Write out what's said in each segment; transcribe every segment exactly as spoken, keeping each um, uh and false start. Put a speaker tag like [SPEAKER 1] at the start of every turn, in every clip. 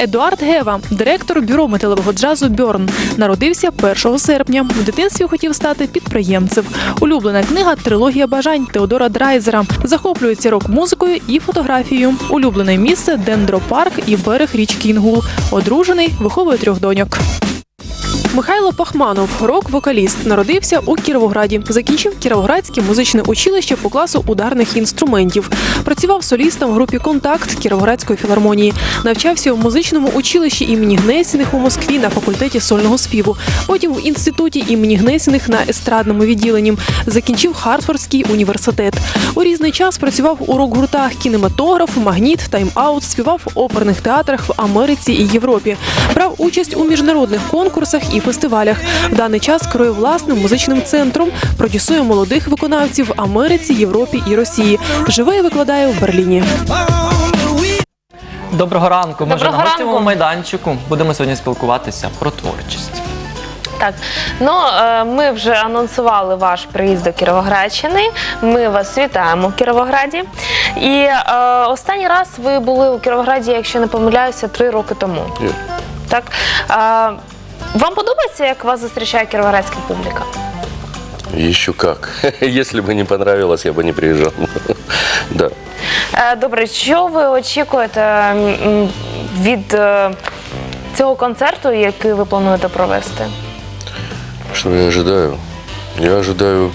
[SPEAKER 1] Едуард Гева, директор бюро металевого джазу «Бьорн». Народився першого серпня. В дитинстві хотів стати підприємцем. Улюблена книга «Трилогія бажань» Теодора Драйзера. Захоплюється рок-музикою і фотографією. Улюблене місце – Дендропарк і берег річки Інгул. Одружений, виховує трьох доньок. Михайло Пахманов – рок-вокаліст. Народився у Кіровограді. Закінчив Кіровоградське музичне училище по класу ударних інструментів. Працював солістом в групі «Контакт» Кіровоградської філармонії. Навчався у музичному училищі імені Гнесіних у Москві на факультеті сольного співу. Потім в інституті імені Гнесіних на естрадному відділенні. Закінчив Хартфордський університет. У різний час працював у рок-гуртах «Кінематограф», «Магніт», «Тайм-аут», співав в оперних театрах в Америці і Європі. Брав участь у міжнародних конкурсах і фестивалях. В даний час керує власним музичним центром, продюсує молодих виконавців в Америці, Європі і Росії. Живе і викладає в Берліні.
[SPEAKER 2] Доброго ранку. Ми вже
[SPEAKER 3] Доброго
[SPEAKER 2] на гостєвому
[SPEAKER 3] ранку.
[SPEAKER 2] майданчику. Будемо сьогодні спілкуватися про творчість.
[SPEAKER 3] Так, ну е, ми вже анонсували ваш приїзд до Кіровоградщини. Ми вас вітаємо в Кіровограді. І е, останній раз ви були у Кіровограді, якщо не помиляюся, три роки тому.
[SPEAKER 4] Ні.
[SPEAKER 3] Так. Е, вам подобається, як вас зустрічає кіровоградська публіка?
[SPEAKER 4] Еще как. Если бы не понравилось, я бы не приезжал. Да.
[SPEAKER 3] Е, добре, що ви очікуєте м, від е, цього концерту, який ви плануєте провести?
[SPEAKER 4] Что я ожидаю? Я ожидаю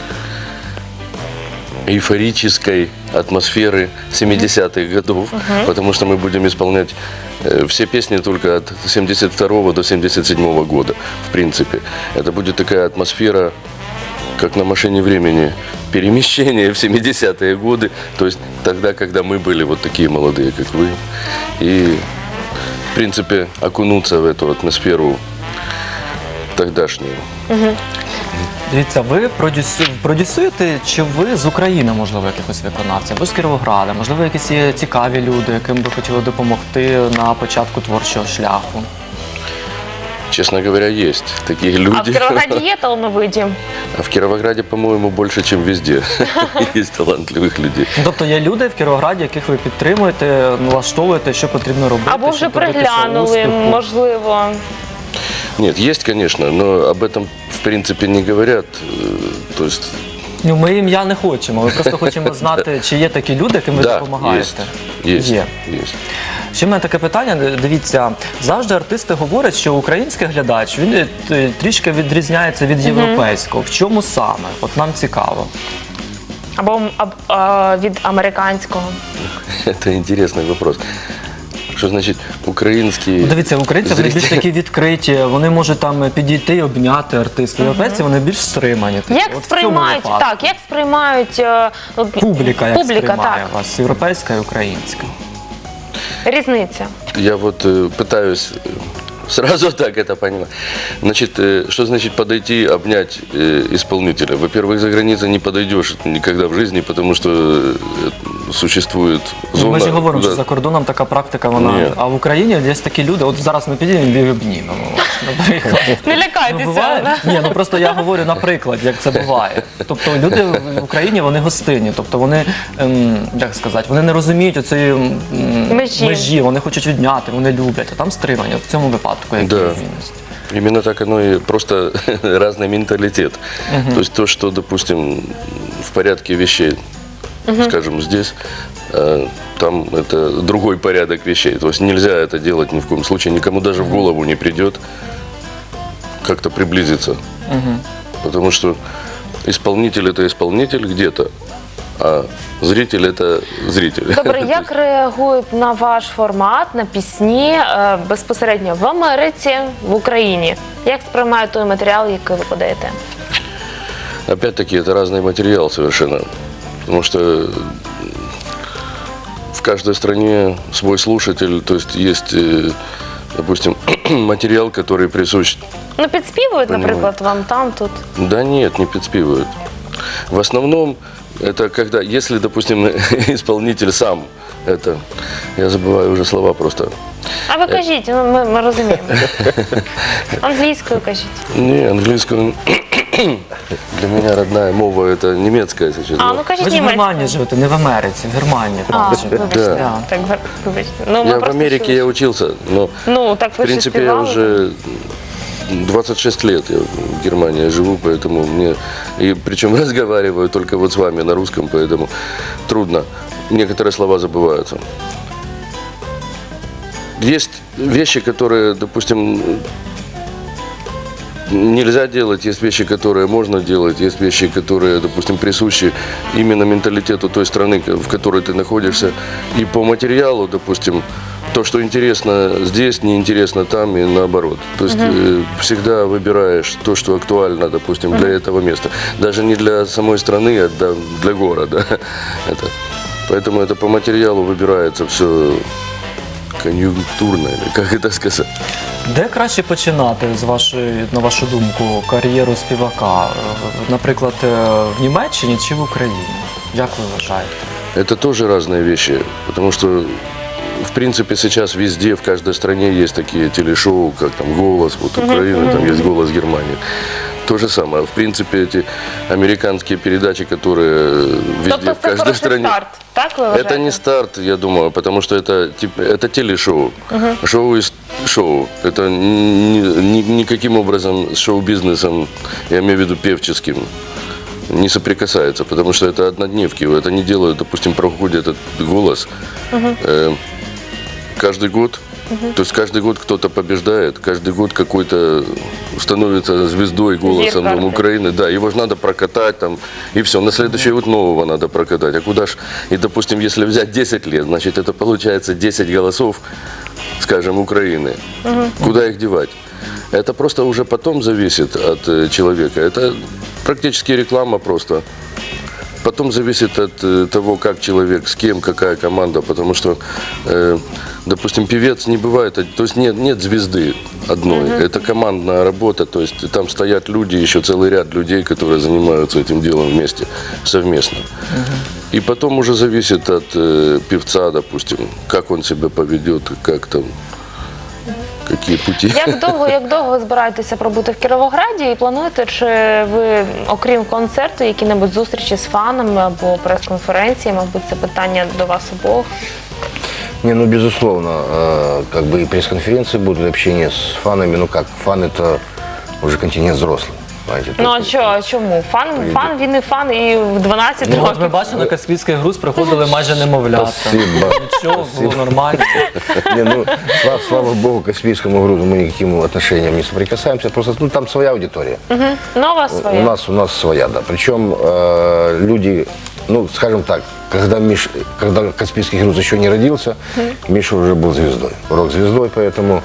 [SPEAKER 4] эйфорической атмосферы семидесятых годов, uh-huh. потому что мы будем исполнять э, все песни только от семьдесят второго до семьдесят седьмого года, в принципе. Это будет такая атмосфера, как на машине времени, перемещение в семидесятые годы, то есть тогда, когда мы были вот такие молодые, как вы, и, в принципе, окунуться в эту атмосферу тогдашнюю.
[SPEAKER 3] Uh-huh.
[SPEAKER 2] Дивіться, ви продюсю... продюсуєте, чи ви з України, можливо, якихось виконавців, або з Кіровограда, можливо, якісь є цікаві люди, яким би хотіли допомогти на початку творчого шляху?
[SPEAKER 4] Честно говоря, есть такие люди.
[SPEAKER 3] А в Кіровограді є талановиті?
[SPEAKER 4] А в Кировограде, по-моему, больше, чем везде. Есть талантливых людей.
[SPEAKER 2] Тобто є люди в Кіровограді, яких ви підтримуєте, налаштовуєте, що потрібно робити,
[SPEAKER 3] Або вже
[SPEAKER 2] щоб добитися
[SPEAKER 3] приглянули,
[SPEAKER 2] успіху?
[SPEAKER 3] можливо.
[SPEAKER 4] Нет, есть, конечно, но об этом, в принципе, не говорят. Э, То есть,
[SPEAKER 2] Ну, ми ім'я не хочемо, ми просто хочемо знати, чи є такі люди, яким ви
[SPEAKER 4] да,
[SPEAKER 2] допомагаєте.
[SPEAKER 4] есть, есть,
[SPEAKER 2] Є.
[SPEAKER 4] есть.
[SPEAKER 2] Ще в мене таке питання, дивіться, завжди артисти говорять, що український глядач, він е, трішки відрізняється від європейського. В чому саме? От нам цікаво.
[SPEAKER 3] Або аб- а, від американського.
[SPEAKER 4] Это интересный вопрос. Что значит украинский?
[SPEAKER 2] Ну, дивіться, українці вони більш
[SPEAKER 4] зритель?
[SPEAKER 2] такі відкриті, вони можуть там підійти і обняти артиста. Європейці вони більш стримані. такі.
[SPEAKER 3] Як
[SPEAKER 2] От в цьому
[SPEAKER 3] сприймають,
[SPEAKER 2] випадку.
[SPEAKER 3] так, як сприймають е, от,
[SPEAKER 2] Публіка як
[SPEAKER 3] публіка,
[SPEAKER 2] сприймає
[SPEAKER 3] так.
[SPEAKER 2] вас, європейська і українська.
[SPEAKER 3] Різниця.
[SPEAKER 4] Я вот э, пытаюсь э, сразу так это понимать. Значит, э, что значит подойти, обнять э, исполнителя? Во-первых, за границей не подойдешь никогда в жизни, потому что э, существует зона.
[SPEAKER 2] Ми ж і говоримо,
[SPEAKER 4] куда-
[SPEAKER 2] що за кордоном така практика, вона.
[SPEAKER 4] Ні.
[SPEAKER 2] А в Україні є такі люди, от зараз ми підійдемо і обнімемо вас, наприклад.
[SPEAKER 3] Не
[SPEAKER 2] Ну,
[SPEAKER 3] лякайтеся.
[SPEAKER 2] буває?
[SPEAKER 3] да?
[SPEAKER 2] Ні, ну просто я говорю наприклад, як це буває. Тобто люди в Україні, вони гостинні, тобто вони, ем, як сказати, вони не розуміють оцієї ем,
[SPEAKER 3] Межі.
[SPEAKER 2] межі, вони хочуть відняти, вони люблять, а там стримання. В цьому випадку які
[SPEAKER 4] Да.
[SPEAKER 2] відмінності?
[SPEAKER 4] Именно так оно и просто разный менталитет. То есть то, что, допустим, в порядке вещей, скажем, здесь, э, там это другой порядок вещей. То есть нельзя это делать ни в коем случае, никому даже в голову не придет как-то приблизиться. Потому что исполнитель это исполнитель где-то, а зритель это зритель.
[SPEAKER 3] Добре, як реагують на ваш формат, на пісні е, безпосередньо в Америці, в Україні? Як сприймають той матеріал, який ви подаєте?
[SPEAKER 4] Опять-таки, это разный материал совершенно. Потому что в каждой стране свой слушатель, то есть есть, э, допустим, материал, который присущ...
[SPEAKER 3] Ну, підспівують,
[SPEAKER 4] Понимаю.
[SPEAKER 3] наприклад, вам там, тут.
[SPEAKER 4] Да нет, не подспивают. В основном, это когда, если, допустим, исполнитель сам, это, я забываю уже слова просто.
[SPEAKER 3] А ви кажіть, ну, ми, ми розуміємо. Англійською кажіть.
[SPEAKER 4] Не, английскую... Для меня родная мова – это немецкая сейчас.
[SPEAKER 3] А,
[SPEAKER 4] но
[SPEAKER 3] ну кажіть
[SPEAKER 2] Ви ж в Германії
[SPEAKER 3] німецькою.
[SPEAKER 2] живете, не в Америці, в Германії.
[SPEAKER 3] А,
[SPEAKER 2] правда живете.
[SPEAKER 3] вибачте.
[SPEAKER 4] Да.
[SPEAKER 3] Так, ви- вибачте. Ну, ми
[SPEAKER 4] Я в
[SPEAKER 3] просто
[SPEAKER 4] Америке
[SPEAKER 3] чули.
[SPEAKER 4] я учился, но
[SPEAKER 3] Ну, так
[SPEAKER 4] в
[SPEAKER 3] ви ще
[SPEAKER 4] принципе я
[SPEAKER 3] співали.
[SPEAKER 4] уже двадцать шесть лет я в Германии живу, поэтому мне, и причем разговариваю только вот с вами на русском, поэтому трудно. Некоторые слова забываются. Есть вещи, которые, допустим, нельзя делать, есть вещи, которые можно делать, есть вещи, которые, допустим, присущи именно менталитету той страны, в которой ты находишься. И по материалу, допустим, то, что интересно здесь, неинтересно там и наоборот. То есть э, всегда выбираешь то, что актуально, допустим, для этого места. Даже не для самой страны, а для, для города. Это. Поэтому это по материалу выбирается все конъюнктурно, или как это сказать.
[SPEAKER 2] Де краще починати, з вашої, на вашу думку, кар'єру співака? Е, Наприклад, е, в Німеччині чи в Україні? Як ви вважаєте?
[SPEAKER 4] Это тоже разные вещи, потому что, в принципе, сейчас везде, в каждой стране есть такие телешоу, как там «Голос», вот Украина, там есть «Голос Германии». То же самое. В принципе, эти американские передачи, которые везде,
[SPEAKER 3] Тобто
[SPEAKER 4] в
[SPEAKER 3] це
[SPEAKER 4] каждой
[SPEAKER 3] хороший
[SPEAKER 4] стране.
[SPEAKER 3] старт, так ви вважаєте?
[SPEAKER 4] Это не старт, я думаю, потому что это, типа, это телешоу. Шоу и шоу. Это ни- ни- никаким образом с шоу-бизнесом, я имею в виду певческим, не соприкасается, потому что это однодневки. Это не делают, допустим, проходит этот «Голос» э, каждый год. То есть каждый год кто-то побеждает, каждый год какой-то становится звездой, голосом
[SPEAKER 3] Зеркало.
[SPEAKER 4] там, Украины. Да, его же надо прокатать там, и все. На следующий год нового надо прокатать. А куда ж, и допустим, если взять десять лет, значит это получается десять голосов, скажем, Украины. Куда их девать? Это просто уже потом зависит от э, человека. Это практически реклама просто. Потом зависит от э, того, как человек, с кем, какая команда, потому что, э, допустим, певец не бывает, то есть нет, нет звезды одной, это командная работа, то есть там стоят люди, еще целый ряд людей, которые занимаются этим делом вместе, совместно. И потом уже зависит от э, певца, допустим, как он себя поведет, как там, какие пути.
[SPEAKER 3] Як довго, як довго ви збираєтеся пробути в Кіровограді і плануєте, чи ви, окрім концерту, які-небудь зустрічі з фанами або прес-конференції, мабуть, це питання до вас обох?
[SPEAKER 5] Не, ну безусловно, э, как бы и пресс-конференции будут, и общение с фанами, ну как, фан это уже континент взрослый, знаете. то
[SPEAKER 3] Ну а
[SPEAKER 5] есть,
[SPEAKER 3] що, а чому? Фан, фан, він і фан, і в дванадцять
[SPEAKER 2] Ну, от ми
[SPEAKER 3] років.
[SPEAKER 2] бачили, на Каспійський груз приходили майже немовлята.
[SPEAKER 5] Спасибо.
[SPEAKER 2] Нічого, було нормально.
[SPEAKER 5] Не, ну, слава, слава богу, к Каспийскому грузу мы никаким отношением не соприкасаемся, просто ну, там своя аудитория.
[SPEAKER 3] Нова своя.
[SPEAKER 5] У нас, у нас своя, да. Причем э, люди, ну, скажем так, когда, Миш, когда Каспийский груз еще не родился, Миша уже был звездой, рок-звездой, поэтому,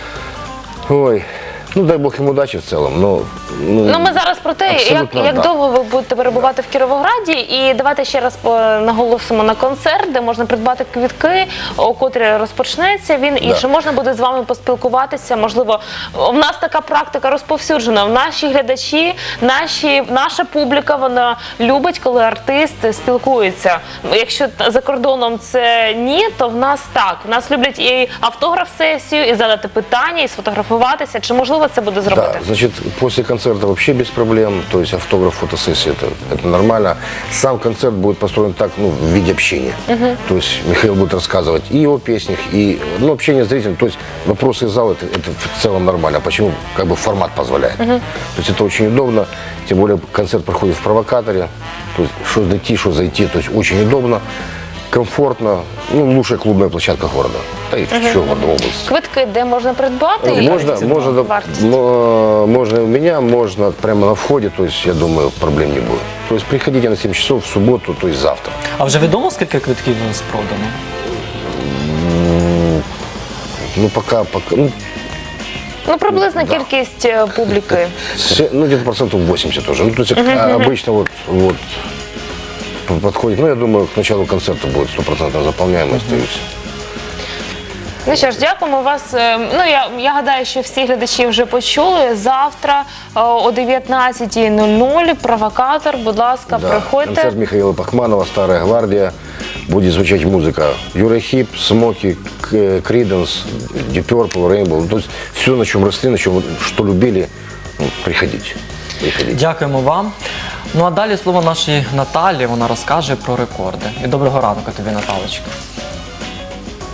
[SPEAKER 5] ой, ну, дай бог ему удачи в целом, но...
[SPEAKER 3] Ну, ми зараз про те, як,
[SPEAKER 5] абсолютно,
[SPEAKER 3] як
[SPEAKER 5] да.
[SPEAKER 3] довго ви будете перебувати в Кіровограді. І давайте ще раз по- наголосимо на концерт, де можна придбати квітки, о котрі розпочнеться він. І
[SPEAKER 5] Да.
[SPEAKER 3] що можна буде з вами поспілкуватися. Можливо, в нас така практика розповсюджена. Наші глядачі, наші, наша публіка, вона любить, коли артист спілкується. Якщо за кордоном це ні, то в нас так. В нас люблять і автограф-сесію, і задати питання, і сфотографуватися. Чи можливо це буде зробити?
[SPEAKER 5] Да, значит, после концерта вообще без проблем, то есть автограф, фотосессия, это, это нормально. Сам концерт будет построен так, ну, в виде общения. То есть Михаил будет рассказывать и о песнях, и, ну, общение с зрителем, то есть вопросы из зала, это, это в целом нормально. Почему? Как бы формат позволяет. То есть это очень удобно, тем более концерт проходит в провокаторе, то есть что дойти, что зайти, то есть очень удобно, комфортно, ну, лучшая клубная площадка города, да и еще города, области.
[SPEAKER 3] Квитки, де можна придбати? І
[SPEAKER 5] Можно,
[SPEAKER 3] ціна,
[SPEAKER 5] можно, да,
[SPEAKER 3] вартість?
[SPEAKER 5] мо- можно и у меня, можно прямо на входе, то есть, я думаю, проблем не будет. То есть, приходите на семь часов в субботу, то есть завтра.
[SPEAKER 2] А вже відомо, скільки квитків у нас продано?
[SPEAKER 5] Ну, пока, пока, ну,
[SPEAKER 3] Ну, приблизна кількість е, публіки.
[SPEAKER 5] се- ну где-то процентов восемьдесят уже. Ну, то есть, а, обычно вот, вот п- подходит, ну, я думаю, к началу концерта будет стопроцентная заполняемость, то есть.
[SPEAKER 3] Ну що ж, дякуємо вас. Е, Ну, я, я гадаю, що всі глядачі вже почули. Завтра е, о дев'ятнадцятій нуль нуль провокатор, будь ласка,
[SPEAKER 5] Да,
[SPEAKER 3] приходьте.
[SPEAKER 5] концерт Михаила Пахманова, «Старая гвардия». Будет звучать музыка Юрахип, Смоки, Криденс, Deep Purple, Rainbow. То есть все, на чем росли, на чем, что любили, ну, приходите. Приходите.
[SPEAKER 2] Дякуємо вам. Ну а далі слово нашій Наталі, вона розкаже про рекорди. І доброго ранку тобі, Наталочка.